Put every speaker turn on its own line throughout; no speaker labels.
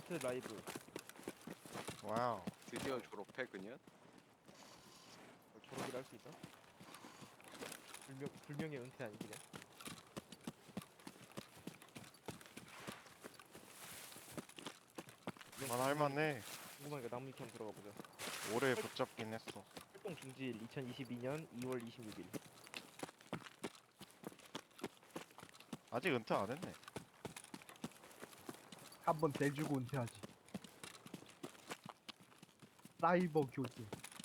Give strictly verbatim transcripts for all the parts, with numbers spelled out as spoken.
라스트 라이브.
와우.
드디어 졸업해 그년?
졸업이라 할 수 있어? 불명, 불명예 은퇴 아니 그냥?
만 할만해.
궁금하니까 나무 위키 한번 들어가 보자.
오래 붙잡긴 했어.
활동 중지일 이천이십이 년 이월 이십육 일.
아직 은퇴 안 했네.
한번 대주고 은퇴하지. 사이버 교수.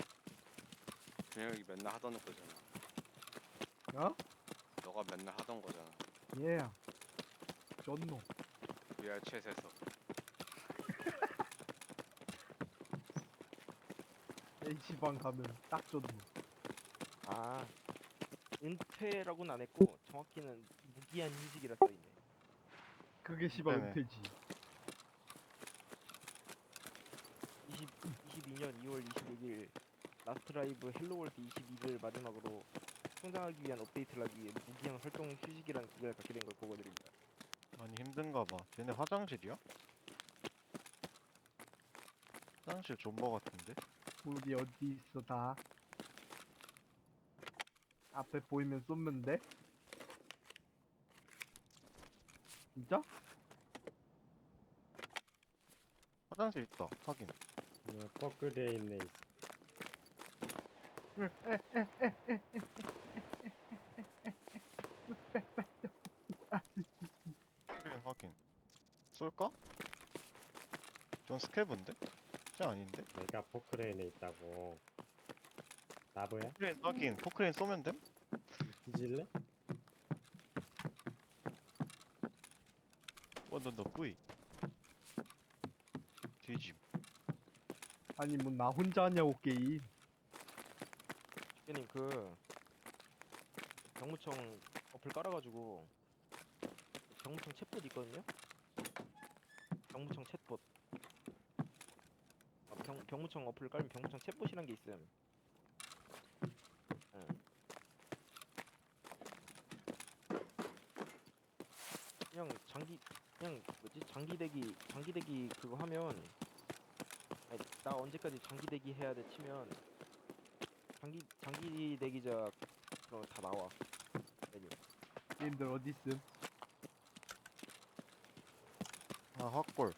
준혁이 맨날 하던 거잖아.
어?
너가 맨날 하던 거잖아.
예. 쩐노.
브이알 챗에서.
H방 가면 딱 쩐노.
아, 은퇴라고는 안 했고 정확히는 무기한 휴직이라 써있네.
그게 씨발
네네.
은퇴지.
이십, 이십이 년 이월 이십육 일 라스트 라이브 헬로월드 이십이 를 마지막으로 성장하기 위한 업데이트를 하기 위해 무기한 활동 휴직이라는 기간을 갖게 된 걸 보고드립니다.
많이 힘든가 봐. 쟤네 화장실이야? 화장실 존버 같은데?
우리 어디 있어 다? 앞에 보이면 쏘면 돼? 진짜?
화장실 있다. 확인.
어, 포크대에 있네.
확인 확인. 쏠까? 전 스캐브인데? 쟤 아닌데?
내가 포크레인에 있다고. 나보야?
포크레인 확인. 포크레인 쏘면 됨?
뒤질래?
원던더 뿌이. 뒤짐.
아니 뭐 나 혼자 하냐고 게임.
대표님 그 병무청 어플 깔아가지고 병무청 챗봇 있거든요? 병무청 챗봇. 아, 병, 병무청 어플 깔면 병무청 챗봇이란 게 있음. 응. 그냥 장기 그냥 뭐지 장기대기 장기대기 그거 하면 아니, 나 언제까지 장기대기 해야 돼 치면 장기 장기대기자 그런 거다 나와 메뉴.
게임들 어디 있음?
아 확골.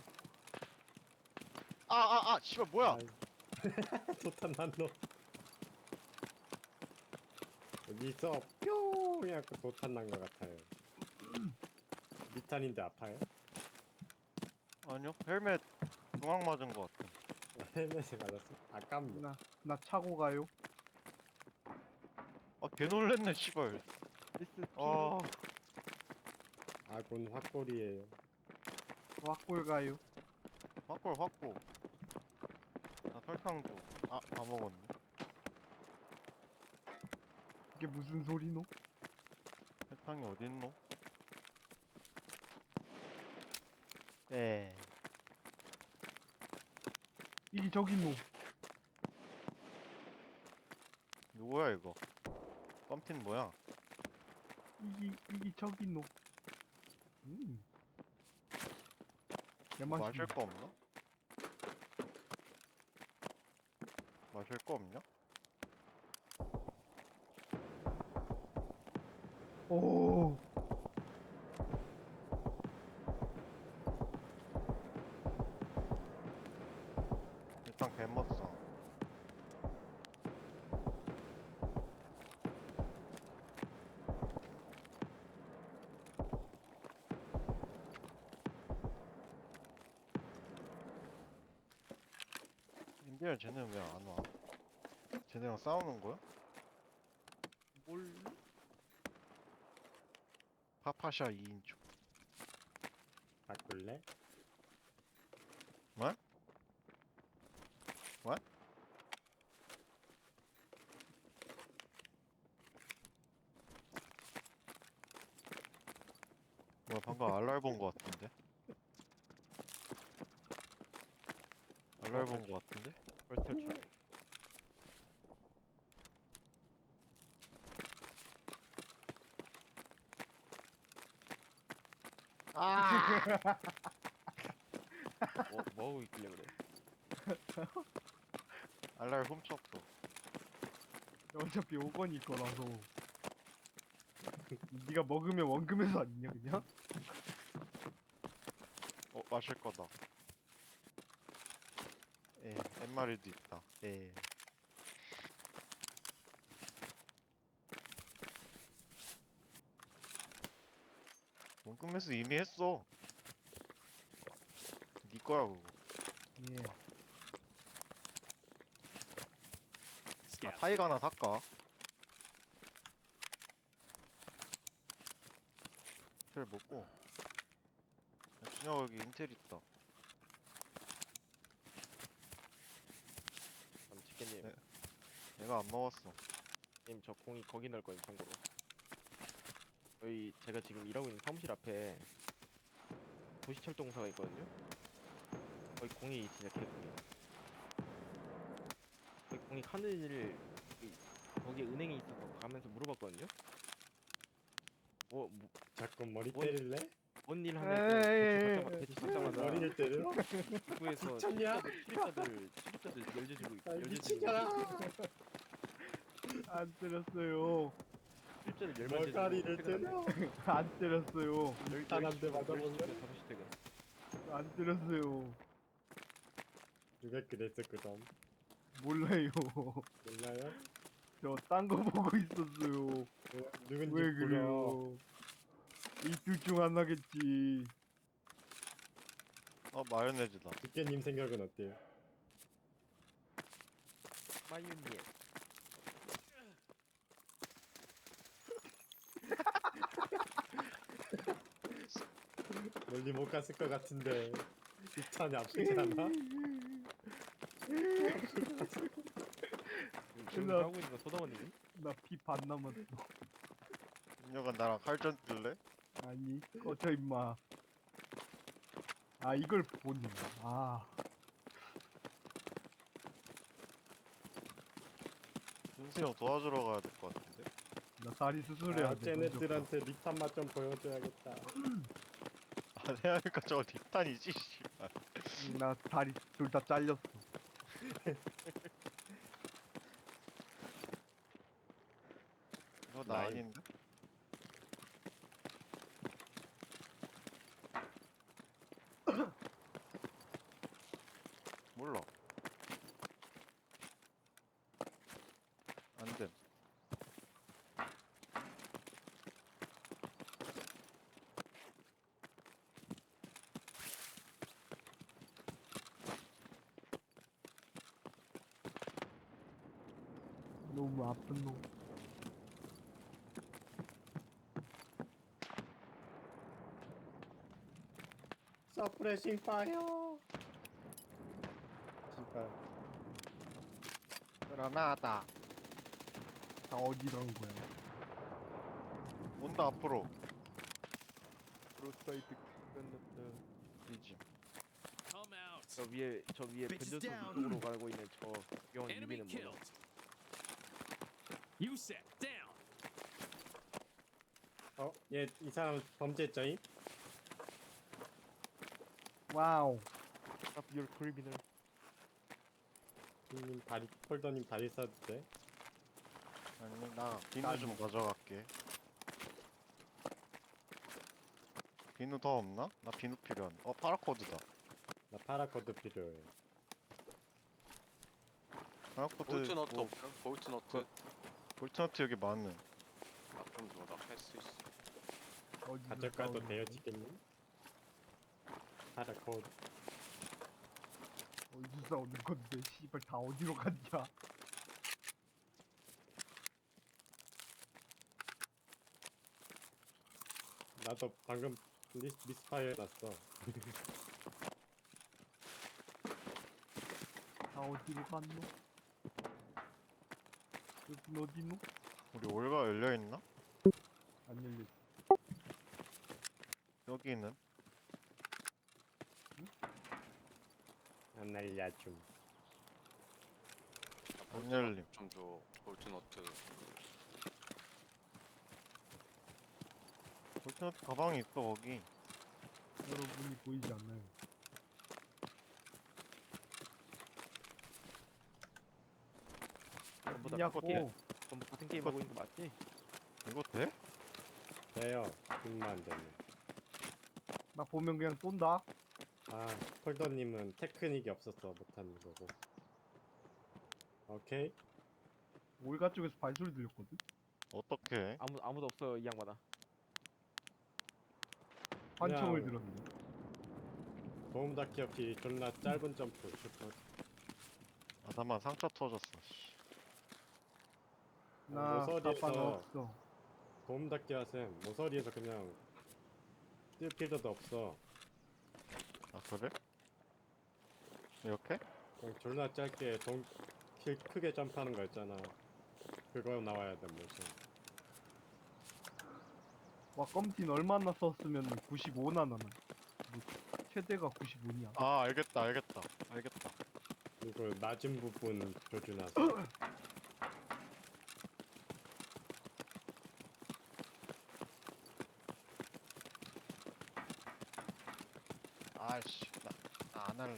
아아아 씨발 뭐야?
좋다 난 너. 여기서 뿅! 해갖고 도탄 난 것 같아요. 미탄인데 아파요?
아니요. 헬멧 중앙 맞은 것 같아.
헬멧에 맞았어? 아깝네.
나 나 차고 가요.
아 개 놀랬네 씨발.
리스
아
아군 확골이에요.
왁골 가요.
확골 확골. 나 설탕 줘. 아 다 먹었네.
이게 무슨 소리노?
설탕이 어딨노? 네.
이게 저기노.
누구야 이거? 껌틴 뭐야?
이게 이게 저기노. 음.
뭐
개맛있네.
마실 거 없나? 마실 거 없냐?
오.
일단 개 먹어. 인디언 쟤는 왜 안 와? 쟤네랑 싸우는 거야?
뭘
파파샤 이 인조.
바꿀래?
What? What? 뭐야 방금 알랄 본 거 같은데? 알랄 본 거 같은데?
벌써 출
아!
뭐, 뭐 하고 있길래 그래?
알랄 훔쳤어.
어차피 오 권일 거라서. 네가 먹으면 원금에서 아니냐 그냥?
어, 마실 거다. 예, 엠마리도 있다. 예. 원금에서 이미 했어. 네 거야 그거.
예.
아, 타이가 하나 살까? 인텔 먹고. 야, 준혁아 여기 인텔 있다.
그럼 치킨님,
네. 내가 안 먹었어.
님 저 공이 거기 넣을 거예요 참고로. 저희 제가 지금 일하고 있는 사무실 앞에 도시철도공사가 있거든요. 거기 공이 진짜 개꿀이에요. 거기 공이 하늘을 거기에 은행이 있어서 가면서 물어봤거든요. 뭐, 뭐
자꾸 머리
뭔-
때릴래?
뭔일
에이,
하면 대출
에이,
받자마자
머리를 때려?
입구에서
미쳤냐?
출입자들 출입자들 열려주고
아,
열려주고
미치잖아.
안 때렸어요.
출입자들 열만
머가리를 때려?
안 때렸어요.
단한대 맞아볼래?
다섯 시 퇴근.
안 때렸어요.
누가 그랬어 그럼?
몰라요.
몰라요?
저 딴 거 보고 있었어요.
왜, 누군지
왜
불러.
그래요? 이 둘 중 하나겠지.
어, 마요네즈다.
두께님 생각은 어때요?
마유니에
멀리 못 갔을 것 같은데 이 차는 아프지 않아?
지금
나-
하고 있는 건 소다원님.
나 피 반 남았어.
준혁아 나랑 칼전 뜰래?
아니, 꺼져 임마. 아, 이걸 보니. 아,
준수 형 도와주러 가야 될 것 같은데?
나 다리 수술해야
아,
돼.
쟤네들한테 리탄 맛 좀 보여줘야겠다.
안 해야 하니까 저거 뒷탄이지 씨발.
응, 나 다리 둘 다 잘렸어.
이거 나
나이.
아닌데? 몰라. 안됨.
너무 아픈 놈.
서프레싱 파이어. 씨발.
그라나다.
다 어디로 한 거야?
온다 앞으로.
프로사이트 끝났다.
이지.
Come out.
저 위에 저 위에
Bitches
변전소
down.
쪽으로 가고 있는 저 귀여운
Enemy
유비는 뭐야?
killed. You set down.
어? 얘 이 사람 범죄자임?
와우.
Stop your criminal.
님 다리 폴더님 다리 써도 돼?
아니 나 비누 좀 가져갈게. 비누 더 없나? 나 비누 필요한. 어 파라코드다.
나 파라코드 필요해.
파라코드.
볼트 너트
뭐,
없어? 볼트 너트.
그- 볼트너트 여기 많은.
아 그럼 너나 할수 있어.
어디서
가져가도
싸우는
돼요
거야?
치킨님? 파라코드.
어디서 싸우는 건데? 씨발 다 어디로 갔냐?
나도 방금 리스, 미스파이어 해놨어.
다 어디로 갔노? 여긴 어디노?
우리 올가 열려 있나?
안 열려.
여기는
안 날려줌.
안 열림.
좀더 볼트 너트.
볼트너트 가방이 있어 거기.
여러분이 보이지 않나요?
전부 다
있냐고.
똑같게 전부 같은 게임 하고 있는 거 맞지?
이거 돼?
돼요. 힘만 안 되면.
나 보면 그냥 쏜다.
아, 폴더님은 테크닉이 없어서 못하는 거고. 오케이.
올가 쪽에서 발소리 들렸거든.
어떻게?
아무 아무도 없어 이 양반아.
환청을
그냥-
들었는데.
도움 닫기 없이 존나 짧은 점프 슈퍼.
아 잠만 상처 터졌어. 씨.
나
모서리에서-
가방 없어.
도움 닫기 하셈. 모서리에서 그냥 뛸 필요도 없어.
아 그래? 이렇게?
그냥 존나 짧게 동, 킬 크게 점프하는 거 있잖아. 그거 나와야 돼 모션.
와 껌틴 얼마나 썼으면 구십오나 나는. 뭐, 최대가 구십오냐.
아 알겠다 알겠다 알겠다.
그리고 낮은 부분 조준하세요.
아이씨 나 안 할래.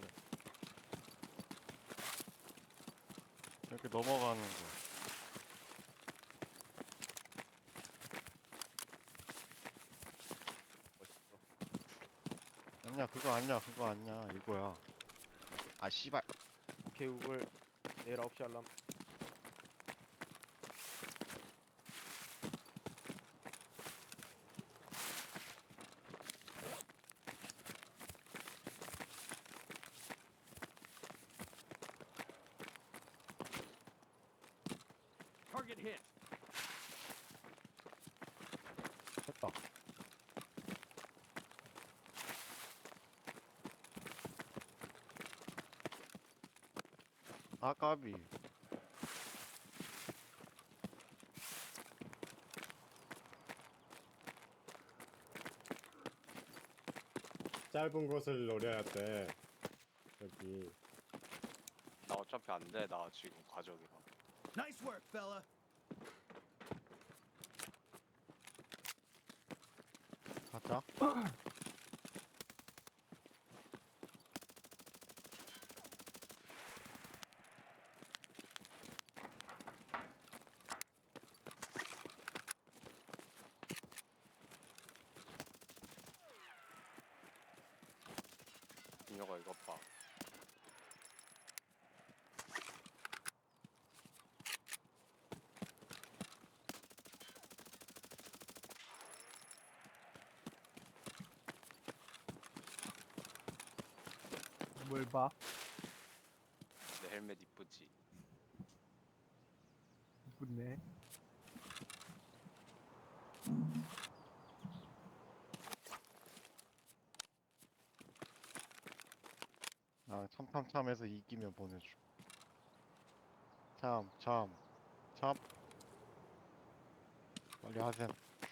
이렇게 넘어가는 거. 아니야 그거 아니야 그거 아니야 이거야. 아 씨발.
오케이 구글 내일 아홉 시 알람.
Target hit.
됐다. 아 까비.
짧은 곳을 노려야 돼. 여기
나 어차피 안 돼. 나 지금 과적이라.
Nice work, fella.
가자.
민혁아 이것 봐.
뭘 봐?
내 헬멧 이쁘지?
이쁘네.
아 참참참해서 이기면 보내줘. 참 참 참. 빨리 하셈.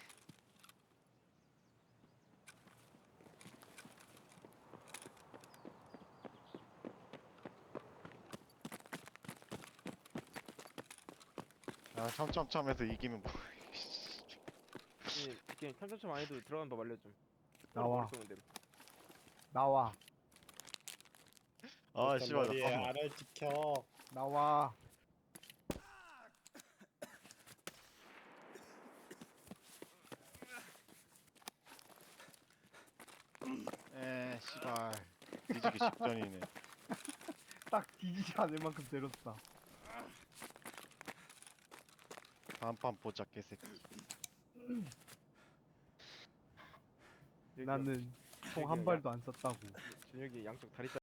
아 참참참해서 이기면 뭐.
이 게임 참참참 안 해도 들어간 법 알려줌.
나와.
쏘는 대로.
나와.
아
일단
씨발
머리에
잠깐만.
알을 지켜.
나와.
에 씨발 뒤지기 직전이네.
딱 뒤지지 않을 만큼 때렸다.
다음 판 보자 개새끼.
여기요.
나는 총 한
여기요.
발도 안 썼다고.
준혁이 양쪽 다리